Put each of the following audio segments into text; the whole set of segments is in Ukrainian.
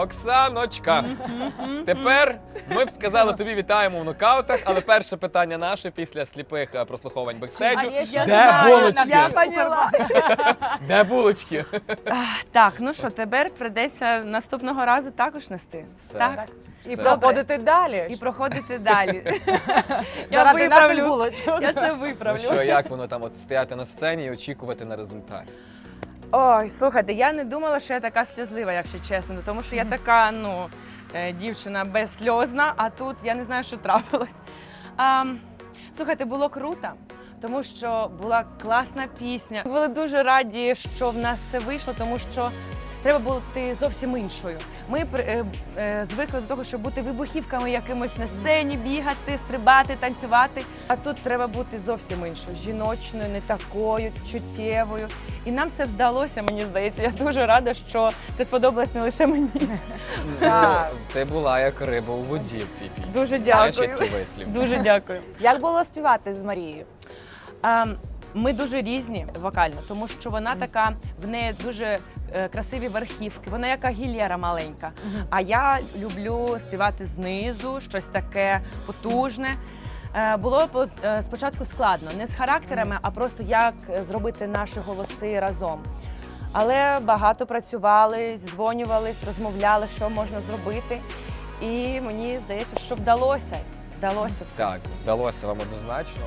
Оксаночка, тепер ми б сказали тобі вітаємо в нокаутах, але перше питання наше після сліпих прослуховувань бекстейджу. Де булочки? Я поняла. Де булочки? Так, ну що, тепер прийдеться наступного разу також нести. Все. Так. І Все. проходити далі. І проходити далі. Заради наших булочок. Я це Ну виправлю. що, як воно там от стояти на сцені і очікувати на результат? Ой, слухайте, я не думала, що я така сльозлива, якщо чесно, тому що я така, ну, дівчина безсльозна, а тут я не знаю, що трапилось. Слухайте, було круто, тому що була класна пісня. Були дуже раді, що в нас це вийшло, тому що треба бути зовсім іншою. Ми звикли до того, щоб бути вибухівками якимось на сцені, бігати, стрибати, танцювати. А тут треба бути зовсім іншою, жіночною, не такою, чуттєвою. І нам це вдалося, мені здається. Я дуже рада, що це сподобалось не лише мені. Так. Ну, ти була як риба у воді в цій пісні. Дуже Знаєш, дякую. є такий вислів. Дуже дякую. Як було співати з Марією? Ми дуже різні вокально, тому що вона така, в неї дуже красиві верхівки, вона яка гільєра маленька. А я люблю співати знизу, щось таке потужне. Було спочатку складно, не з характерами, а просто як зробити наші голоси разом. Але багато працювали, зідзвонювались, розмовляли, що можна зробити. І мені здається, що вдалося. Вдалося це. Так, вдалося вам однозначно.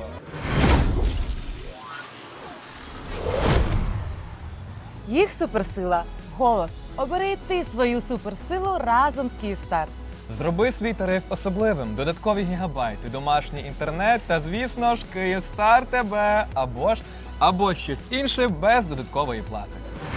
Їх суперсила – голос. Обери і ти свою суперсилу разом з Київстар. Зроби свій тариф особливим, додаткові гігабайти, домашній інтернет та, звісно ж, Київстар тебе або щось інше без додаткової плати.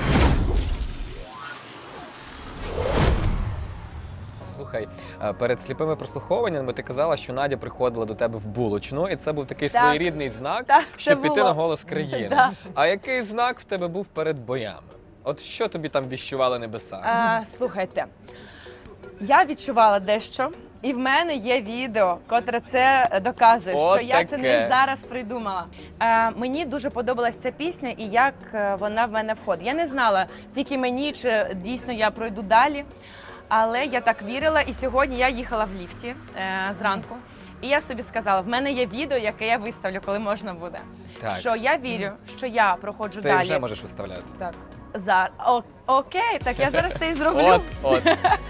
Слухай, перед сліпими прослуховуваннями ти казала, що Надя приходила до тебе в булочну, і це був такий Так. своєрідний знак, Так, це щоб піти було. на голос країни. Да. А який знак в тебе був перед боями? От що тобі там віщували небеса? Слухайте, я відчувала дещо, і в мене є відео, котре це доказує, От що я це таке. не зараз придумала. Мені дуже подобалась ця пісня і як вона в мене входить. Я не знала, тільки мені, чи дійсно я пройду далі, але я так вірила, і сьогодні я їхала в ліфті зранку. І я собі сказала, в мене є відео, яке я виставлю, коли можна буде. Так. Що я вірю, що я проходжу Ти далі. вже можеш виставляти. Так. Окей, так я зараз це і зроблю. От.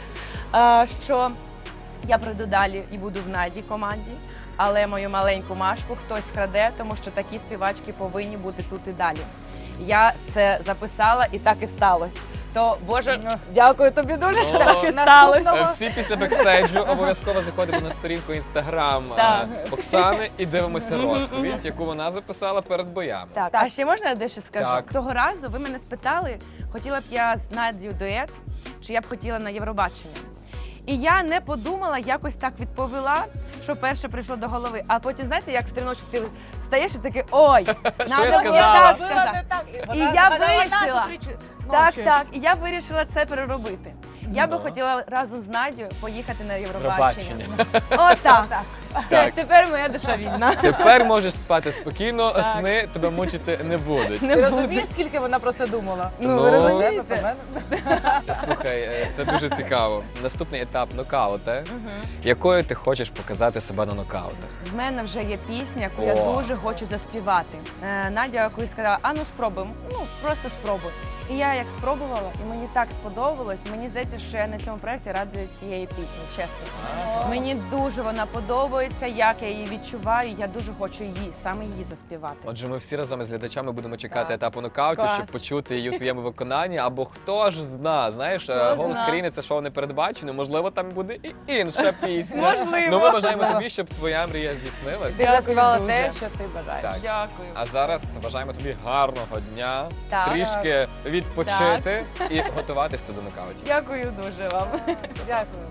Що я пройду далі і буду в Наді команді, але мою маленьку Машку хтось вкраде, тому що такі співачки повинні бути тут і далі. Я це записала і так і сталося. То, Боже, дякую тобі дуже, що Ну, так і наступного- сталося. Всі після бекстейджу обов'язково заходимо на сторінку Інстаграм Так. Оксани і дивимося розповідь, яку вона записала перед боями. Так, а ще можна я дещо скажу? Так. Того разу ви мене спитали, хотіла б я з Надією дует, чи я б хотіла на Євробачення. І я не подумала, якось так відповіла, що перше прийшло до голови. А потім, знаєте, як в 3 ночі ти встаєш і такий, ой, я надо було сказала? так сказати. І я вирішила. Так, і я вирішила це переробити. Я би Ну. хотіла разом з Надією поїхати на Євробачення. Євробачення. Отак. Все, Так. тепер моя душа вільна. Тепер можеш спати спокійно, Так. сни тебе мучити не будуть. Не Ти буду. розумієш, скільки вона про це думала? Ну, ви Ну. розумієте? Про мене? Слухай, це дуже цікаво. Наступний етап нокаути. Якою ти хочеш показати себе на нокаутах? В мене вже є пісня, яку я О. дуже хочу заспівати. Надя колись сказала, а ну спробуємо, ну просто спробуй. І я як спробувала, і мені так сподобалось. Мені здається, що я на цьому проєкті рада цієї пісні, чесно. Мені дуже вона подобається, як я її відчуваю. Я дуже хочу її, саме її заспівати. Отже, ми всі разом із глядачами будемо чекати Так. етапу нокауту, Клас. щоб почути її у твоєму виконанні. Або хто ж зна, знаєш, голос зна. країни це шоу не передбачено. Можливо, там буде і інша пісня. Можливо. Ну ми бажаємо тобі, щоб твоя мрія здійснилась. Ти Дякую заспівала дуже. те, що ти бажаєш. Так. Дякую. А зараз бажаємо тобі гарного дня, Так. трішки відпочити і готуватися до нокаутів. Дякую дуже вам. Дякую.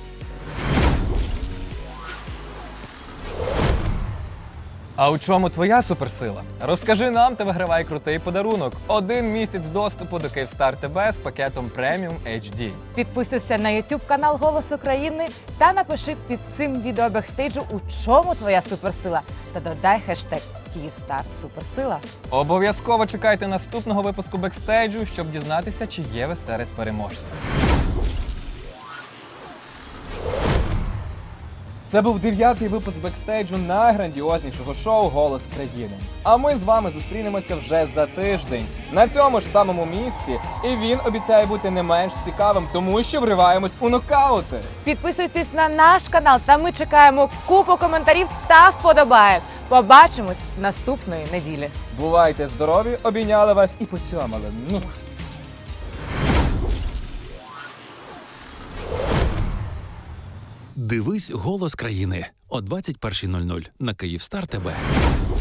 А у чому твоя суперсила? Розкажи нам та вигравай крутий подарунок. 1 місяць доступу до Київстар ТБ з пакетом Premium HD. Підписуйся на YouTube канал Голос України та напиши під цим відео бекстейджу, у чому твоя суперсила. Та додай хештег Київстар Суперсила. Обов'язково чекайте наступного випуску бекстейджу, щоб дізнатися, чи є ви серед переможців. Це був 9-й випуск бекстейджу найграндіознішого шоу «Голос країни». А ми з вами зустрінемося вже за тиждень на цьому ж самому місці. І він обіцяє бути не менш цікавим, тому що вриваємось у нокаути. Підписуйтесь на наш канал, та ми чекаємо купу коментарів та вподобаєк. Побачимось наступної неділі. Бувайте здорові, обійняли вас і поцьомали. Дивись «Голос країни» о 21:00 на Київстар ТБ.